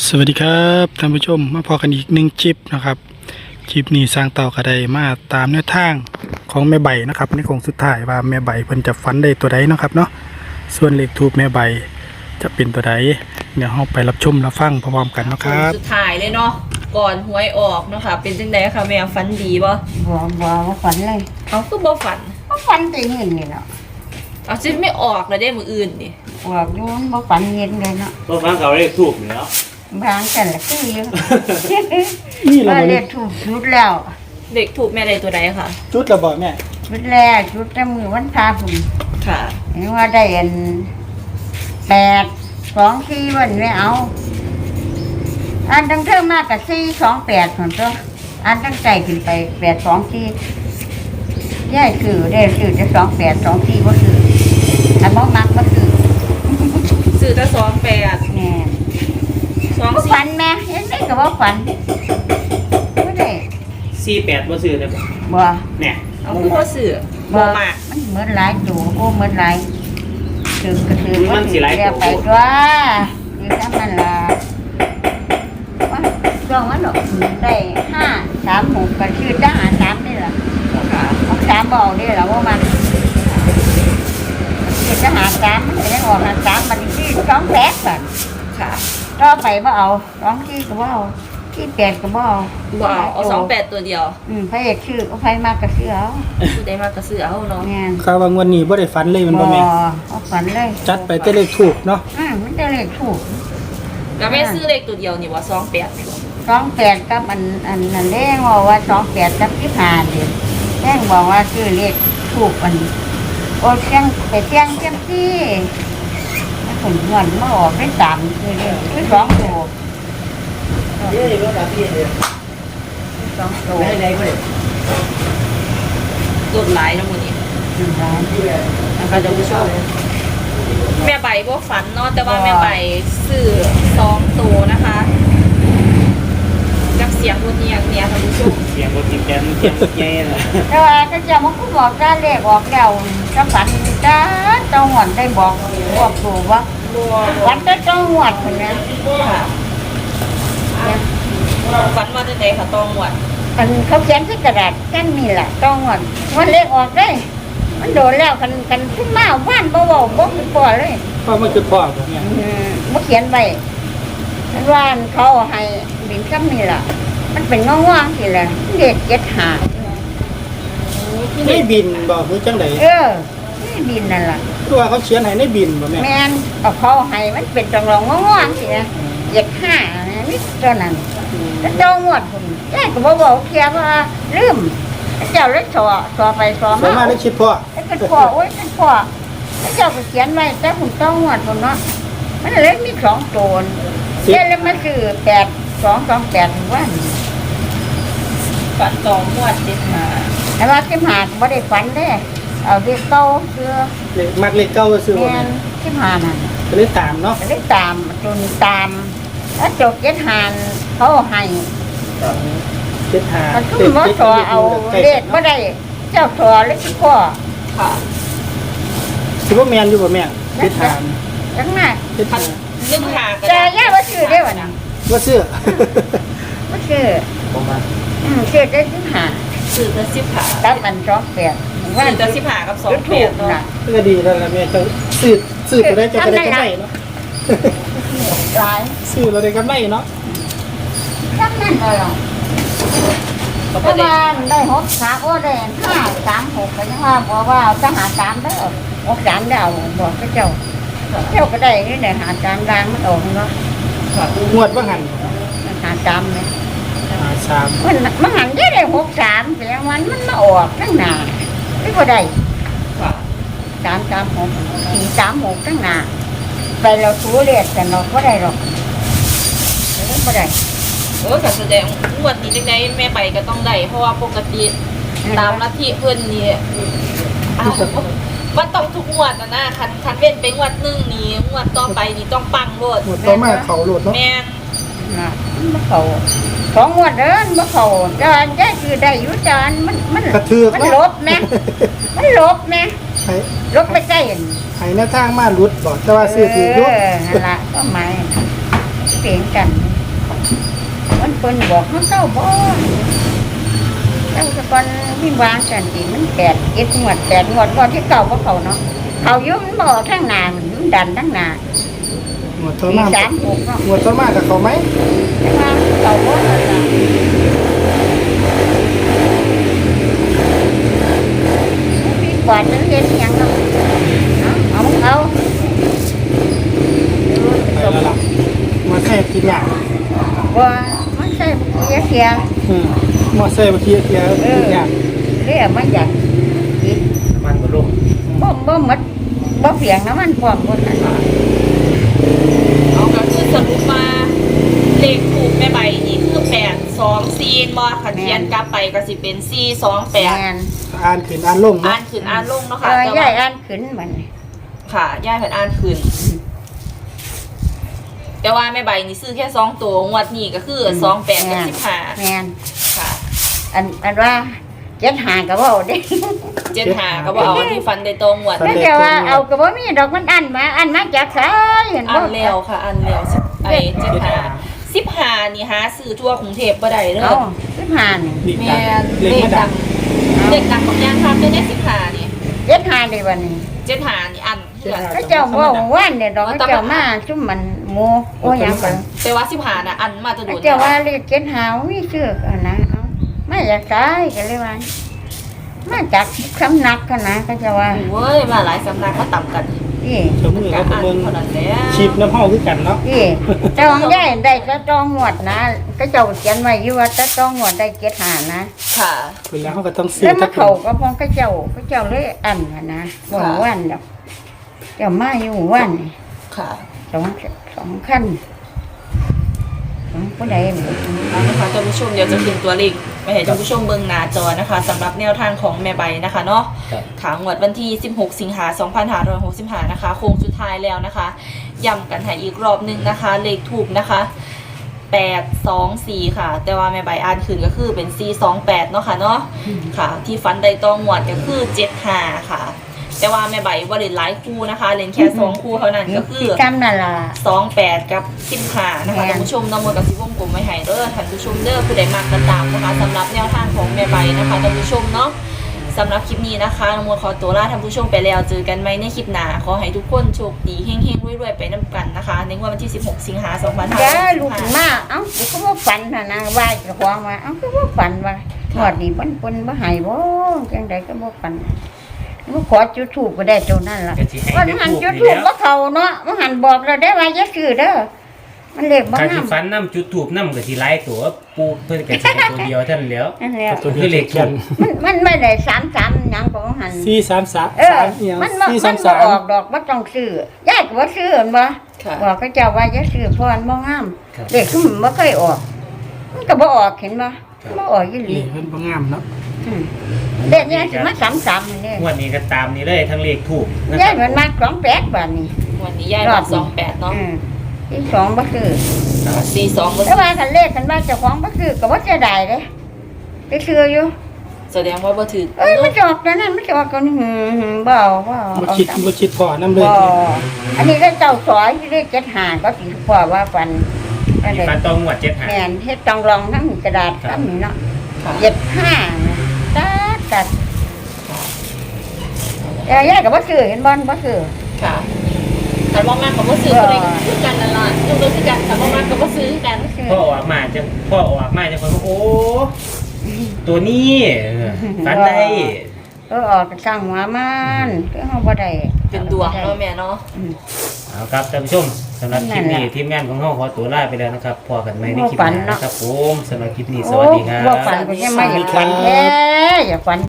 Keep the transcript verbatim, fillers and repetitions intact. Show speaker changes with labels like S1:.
S1: สวัสดีครับท่านผู้ชมมาพอกันอีกหนึ่งคลิปนะครับคลิปนี้สร้างเต่ากระไดมาตามแนวทางของแม่ใบนะครับในโค้งสุดท้ายว่าแม่ใบเพิ่นจะฟันได้ตัวใดนะครับเนาะส่วนเลขทูปแม่ใบจะเป็นตัวใดเดี๋ยวเราไปรับชมรับฟังพร้อมๆกันนะครับ
S2: สุดท้ายเลยเนาะก่อนหวยออกเนาะค่ะเป็นจังไดคะแม่ฝันดีบ่
S3: บ่บ่บ่ฝันเลย
S2: เอาคือบ่ฝัน
S3: บ่ฝันแต่เห็นนี่เนาะ
S2: เอาซิไม่ออกแล้วได้มื้ออื่นนี่
S3: ว่าอยู่บ่ฝันเห็นเลยเนาะ
S4: บ่ฟังเขาเรียกถูกอยู่แล้ว
S3: บางกันละคืออยู่
S1: นี่เรา
S3: ว่า
S1: บ่
S3: เรี
S1: ได้
S3: ยกถูกชุดแล้ว
S2: เด็กถูกแม่ได้ตัวใดค่ะ
S1: จุดระบ่แม่
S3: ชุดแรกชุดแต่มือวันพาพุ่น
S2: ค่ะ
S3: เห็นว่าได้อันแปดสองสี่วันไม่เอาอันตั้งเท่ามากกับสี่สองแปดผลตัวอันตั้งใจขึ้นไปแปดสองสี่ย่ายคือได้คือจะสองแปดสองสี่ก็คืออันบ่มักก็คือ
S2: ซื้อแต่สองแปด
S3: แน่
S2: สอง
S3: บ่
S2: สี่
S3: ฝันแม่เห็นได้ก็บ่ฝันบ่ได้
S4: สี่แปดบ่ซื้อเลยบ่
S3: บ่
S4: เนี่ย
S2: เอาคือบ่ซื้อ
S3: บ่
S2: บ่มาก
S3: มันเหมือนหลายตัวโอ้เหมือนหลายถึงก็ถึง
S4: มันสิหลาย
S3: เรียกไป
S4: ตัว
S3: ตัวอยู่ทำมันล่ะว่าช่วงมันดอกได้ห้าสามหกก็ชื่อทหารสามนี่ล่ะ
S2: ค่ะ
S3: เอาสามบ่เอาได้ล่ะว่ามันชื่อทหารสามมันก็ยังออกทหารสามมันชื่อสองแปดบัด
S2: ค่ะ
S3: ต่อไปบ่เอาสองที่ก็บ่เอาที่แปดก็บ่เอา
S2: บ่เอาเอาสองแปดตัวเดียว
S3: อืมพระเอกชื่อเอาไฟมากก็ชื่อเอา
S2: ผู้ใดมาก็ซื้อเอาเนาะ
S3: แม่น
S1: ข่าวว่างวันนี้บ่ได้ฟันเลยมันบ่แม่
S3: เอาฝันเลย
S1: จัดไปแต่เลขถูกเนาะ
S3: อืมมันจะเลขถูก
S2: แล้วแม่ซื้อเลขตัวเดียวนี่ว่าสองแปด
S3: สองแปดกับอันอันนั่นแรงบอกว่าสองแปดกับที่ผ่านเดียวแรงบอกว่าชื่อเลขถูกอันโอ้เชียงไปเชียงเชียงที่ถ้าผลเงินมาออกได้สามคือเลขคือสองตัว
S4: เย้บ่ได้พี่เด้อ
S3: สองตัว
S4: ได้ได้บ่ได้
S2: ลดหลายเนาะมื้อนี้
S3: หนึ่งล้าน
S2: นะคะท่านผู้ชมแม่ใบบ่ฝันเนาะแต่ว่าแม่ใบซื้อสองตัวนะคะกับเสียงรถเนียงเนี่ยท่านผู้ชม
S4: เสียงบ่ติดแกนเสียงใหญ่น่ะ
S3: แต่ว่าก็จะมันก็บอกได้เลขออกแล้วก็ฝันจ้าเจ้าหวนได้บอกบอกถูกว่า
S2: บัว
S3: ฝันได้เจ้าหวนคนนี้
S2: ค่ะฝันว่าจะไหนค่ะตองหวด
S3: มันเขาเขียนที่กระดาษกันนี่แหละเจ้าหวนวันเลขออกได้ มันโดนแล้วกันกันขึ้นมาว่านบ่บ่บ่คือพอเลย
S1: เพราะมันคือพ่อบ่แม่
S3: อืมบ่เขียนไว้มันว่านเขาให้บินซ้ำนี่ล่ะ มันเป็นง่วงๆสิแหละเด็กเจ็ดหา
S1: ในบินบ่คือจังได๋
S3: เออนี่บินนั่นล่ะ
S1: คือว่าเขาเขียนให้ในบินบ่แม่
S3: แม่นเอาเขาให้มันเป็นจังรองง่วงๆสินะเจ็ดห้านี่เท่านั้นแล้วเจ้างวดพุ่นแย่ก็บ่บอกเคียว่าลืมเจ้าเลยสอสอไปสอ
S1: สามาร
S3: มา
S1: ถได้คิดพ่อ
S3: ไอ้เป็นพ่อโอ้ยเป็นพ่อแล้วเจ้าก็เขียนไว้แต่ผมต้องงวดผมเนาะมันเลยมีสองตัวเขียนแล้วมันคือแปดสองสองแปดว่า
S2: ฝันตองหวดเจ็ดมา
S3: แต่ว่าที่หาไม่ได้ฝันเด้เอาเรียกเก้าเสื้อ
S1: เลขมักเลขเก้าซื้อบ่
S3: แม่
S1: แม่
S3: นที่หานั่น
S1: ก็เลยตามเนาะ
S3: ก็เลยตามจนตามแล้วจบเจ็ดหานเขาให้
S1: เจ็ดห้า
S3: มันคือมาสอเอาเลขไม่ได้ เจ้าสอเลขพ่อ
S2: ค่ะ
S1: สิบ่แม่นอยู่บ่แม่เจ็ดห้า
S3: จังน่ะ
S1: เจ็ด
S2: พั
S1: ห้าน
S2: นึกหากัน
S3: แต่ย่าว่าชื่อได้วะนะ
S1: ว่าซื้อ
S3: ว่าชื่อ
S1: บ่มา
S3: อืมชื่อได้ที่หา
S2: ซื้อแต่สิบหา
S3: ตับมันสองแปด
S2: ซื้อแต่สิบหากับสองแปดเนาะ
S1: ก็ดีแล้วล่ะแม่เจ้าซื้อซื้อตัวได้เจ้าก็ได้กำไรเนาะ
S3: หลาย
S1: ซื้อเราได้กำไรเนาะ
S3: จังนั้นเลยเหรอ
S2: ก็
S3: ป
S2: บ่
S3: ระ
S2: ได้
S3: มาณได้หกสามโอ้ได้ห้าสามหกก็ยังว่าบอกว่าเอาจะหาสามได้อหกสามได้เอาบอกพระเจ้าเจ้าก็ได้นี่แหละหาสามรางมันออกเนาะ
S1: งวดว่าหัน
S3: หาสามเนี่ย
S1: หาสาม
S3: มันมันหันได้ได้หกสามแต่วันมันมาออกตั้งหนาไม่พอได้
S2: ค่ะ
S3: สามสามหกสี่สามหกตั้งหนาไปเราสูเรียกแต่เราก็ได้หรอกไม่พอได้
S2: โอ้แต่แสดงงวดนี้จังไดแม่ไปก็ต้องได้เพราะว่าปกติตามลัทธิเพิ่นนี่อ้าวว่าต้องทุกงวดนะนะคันคันเว้นไปงวดหนึงนี่งวดต่อไปนี่ต้องปังโลด
S1: งวดต่อมาเขาโหลดเนาะ
S2: แม่น
S3: นะมันบ่เขาสองงวดเดินบ่เขาจานได้คือได้อยู่จานมันมัน
S1: กระเทือก
S3: มันลบแม่มันลบแม่
S1: ให้
S3: ลบไปใกล้เห็น
S1: ให้หน้าทางมาหลุดบ่แต่ว่าซื้อถืออยู่
S3: เออนั่นละก็หมายเปลี่ยนกันมันเพิ่นบอกเขาเศร้าบ่เจ้าสะกอนวิ่งวางกันสิมันแปดเจ็ดงวดแปดงวดงวดที่เก่าบ่เขาเนาะเขาอยุ่มันบ่ทั้งหน้ามันดันทั้งหน้า
S1: หมวดต้น
S3: มี
S1: มาก
S3: สามหกเนาะ
S1: หมวดต้นมากกับเขาไหม
S3: แต่ว่าเก่าบ่นั่นล่ะมีกวาดนึงเฮ็ดหยังเนาะเอาเอาเอา
S1: ไปแล้วล่ะมาแค่กินอย่าง
S3: ว่ามันใส่เกียร์เกียร์
S1: อืมมาแค่บางทีเกียร์กินอย่าง
S3: เรียกมันอยากกิน
S4: น้ำมันบ่ลง
S3: บ่บ่หมดบ่เปียงน้ำมันพร้อมหมดนั่น
S2: เอาก็คือสรุปมาเลขถูกแม่ใบนี่คือแปดสองสี่บ่ขันเทียนกลับไปก็สิเป็นสี่สองแปด
S3: แม่น
S1: อ่านขึ้นอ่านลง
S2: อ่า
S1: เนาะ
S2: นขึ้นอ่านลงเนาะ
S3: เอ
S2: ค่ะ
S3: อ
S2: แต่
S3: ย่า
S2: ว่าย
S3: อ่านขึ้นมัน
S2: ค่ะย่ายเพิ่นอ่านขึ้น แต่ว่าแม่ใบนี่ซื้อแค่สองตัวงวดนี้ก็คือสองแปดกับสิบห้า
S3: แม่น
S2: ค่ะ
S3: อันอันว่าเจ็ดหาก็บ่เอาเด้
S2: เจ็ดหาก็บ่เอาที่ฟันได้ตรงงวด
S3: แต่แต่ว่าเอาก็บ่มีดอกมันอันมาอันมาจากไสเห็น
S2: อั
S3: บ่
S2: นเร็วค่ะ อันเร็วไอ้เจ็ดหาสิบหานี่หาซื้อทั่วกรุงเทพบ่ได้เด้
S3: เอา
S2: อ
S3: สิบห้านี่
S1: ดี
S2: แม่
S1: จัง
S2: เล
S1: เล็ก
S2: ข
S1: ไม่
S2: ดั
S1: ดั
S2: ง
S1: ง
S2: เลขดังของยางครับได้ได้สิบหานี่
S3: เจ็ดหาได้วันนี้
S2: เจ็ดหานี่อันเพื่อน
S3: ก็เจ้าเว่าว่านเนี่ยดอกก็เจ้ามาซุ่มมันหมูโอ้หยังกัน
S2: แต่ว่าสิบหาน่ะอันมาจะโดน
S3: เจ้าว่าเลขเจ็ดหามีชื่อกันนะเอาไม่อยากตายก็เลยว่ามาจากสำนักกันนะก็จะว่า
S2: เว้ยมาหลายสำนักมาต่ำกัน
S3: พี่
S1: เจ้ามือ
S2: กั
S1: เขา
S2: น
S1: เป็น
S2: อัน
S1: เมือง
S2: เท่านั้นแหละ
S1: ชิปน้ำห้องคือกันเนาะ
S3: พี่เจ้าของได้ได้จะจองงวดนะ ก็เจ้าเขียนไว้อยู่ว่าจะจองงวดได้เจ็ดหานะ
S2: ค่ะ
S1: เวลาเขาก็ต้องซื้อ
S3: แล้ว
S1: ทั
S3: มาก เขาก็พองก็เจ้าก็เจ้าเลยอันน่ะนะบ่ว่านดอกเจ้ามาอยู่ว่านนี่
S2: ค่ะ
S3: สองสองขั้นสองผู้ใดนี่
S2: เอานะคะท่านผู้ชมเดี๋ยวจะพิมพ์ตัวเลขไปให้ท่านผู้ชมเบิ่งหน้าจอนะคะสำหรับแนวทางของแม่ใบนะคะเนาะ
S4: ครับ
S2: ขางวดวันที่สิบหกสิงหาคมสองพันห้าร้อยหกสิบห้านะคะโค้งสุดท้ายแล้วนะคะย้ำกันให้อีกรอบหนึงนะคะ เลขถูกนะคะแปดสองสี่ค่ะ แต่ว่าแม่ใบอ่านคืนก็คือเป็นสี่สองแปดเนาะค่ะเนาะค่ะ ที่ฟันได้ตองงวดก็คือเจ็ดห้าค่ะ แต่ว่าแม่ใบว่าเล่นหลายคู่นะคะเล่นแค่สองคู่เท่านั้นก็คือ
S3: จำนั่นล่ะ
S2: สองแปดกับสิบห้านะคะ
S3: แม่น
S2: ท่านผู้ชมน้องมนต์กับสิวงกลมไว้ให้เด้อท่านผู้ชมเด้อผู้ใดมากก็ตามนะคะสำหรับแนวทางของแม่ใบนะคะท่านผู้ชมเนาะสำหรับคลิปนี้นะคะน้องมนต์ขอตัวลาท่านผู้ชมไปแล้วเจอกันไหมในคลิปหน้าขอให้ทุกคนโชคดีเฮงๆรวยๆไปน้ำกันนะคะในงวดวันที่สิบหกสิงหาคมสองพันห้าร้อย
S3: จ้า
S2: หก
S3: ลู
S2: สิ
S3: ก
S2: บห้า
S3: มาเอ้ากูก็บ่ฝันน่ะนะว่าเจะควงมาเอ้าก็บ่ฝันว่าหอดนี่มันเพิ่นบ่ให้บ่จังไดก็บ่ฝันบ่ขอจุดธูปก็ได้เท่านั้นล่ะ
S4: ก็สิให้
S3: วัน
S4: ได้
S3: หัน
S4: ถูก
S3: จุด
S4: นี่
S3: ธูป
S4: แล้ว
S3: บ่เข้าเนาะมันหันบอกแล้วได้ว่าอย่าซื้อเด้อมันเลขบ่
S4: การ
S3: งา
S4: ที่
S3: ม
S4: ฟันน้ำจุดถูกน้ำก็สิหลายตัวปูเพิ่นก็สิให้ตัวเดียวเท่านั้นแหล้ว
S3: นั่นแหละ
S1: ตัวเดียว
S4: คือเลขถูก
S3: มันมันไม่ได้สามสามหยังของหัน
S1: สี่สามสาม
S3: เออ
S1: สามเอียง
S3: มันบ่
S1: สี่
S3: มั
S1: สาน ม
S3: บ่
S1: สาม
S3: ออกดอกบ่ต้องซื้อยายก็บ่ซื้อหั่นบ่
S2: ค่ะ
S3: บอกเขาเจ้าว่าอย่าซื้อเพราะมันบ่งาม
S4: ครับ
S3: เลขคือมันบ่เคยออก มันก็บ่ออกเห็นบ่บ่ออกอีหลี
S1: นี่เพิ่นบ่งามเนาะ
S3: อืมเด็กเนี่ยสิมาสามสามนี่
S4: งวดนี้ก็ตามนี้เลยทั้งเลขถูกนะค
S3: ยา
S4: รั
S3: ย
S4: บ
S3: มันมาสองแปดบาทนี่
S2: วันนี้ย่ายบอกสองแปดเนาะ
S3: อืมที่สองบ่คือ
S2: สี่สอง
S3: แต่ว่าคันเลขคันว่าเจ้าของบ่คือก็บ่เสียดายเด้ไปซื้ออยู่
S2: แสดงว่าบ่ถือ
S3: เอ้ยมันจะออกแล้วนั่นมันจะออกกันหืมๆบ่เอาบ่เอา
S1: บ่คิดบ่คิดพอน้ำเลย
S3: บ่อันนี้ก็เจ้าสอยที่ได้เจ็ดหาก็สิพอว่าฟันอัน
S4: มี
S3: นี้
S4: ฟันตองงวดเจ็ดหา
S3: แม่นเฮ็ดต้องลองทั้งกระดาษทั้งนี้เนาะ
S2: ค่ะ
S3: เจ็ดห้าตัดตัดเอ้ยยายก็บ่ซื้อเห็นบ่บ่ซื้อ
S2: ค่ะแต่ว่ามากกับว่าซื้ออะไรคือกันนั่นล่ะคือบ่คือกันแต่ว่ามากกับว่าซื้อกัน
S4: พ่อออกมาจะพ่อออกมาจะคนว่าโอ้ตัวนี้เออฟันได้
S3: เออออกจากสร้างหัวมันคือเฮาบ่ได้
S2: เป็นดวงเนาะแม่เนาะ
S4: เอาครับท่านผู้ชมสำหรับคลิปนี้ทีมงานของเราขอตัวลาไปแล้วนะครับพอกันไหมในคลิปหน้านะครับผมสำหรับคลิปนี้สวัสดีครับ
S3: โอ้บ่ฝันก็ยังไม่อยากฝันแท้อย่าฝัน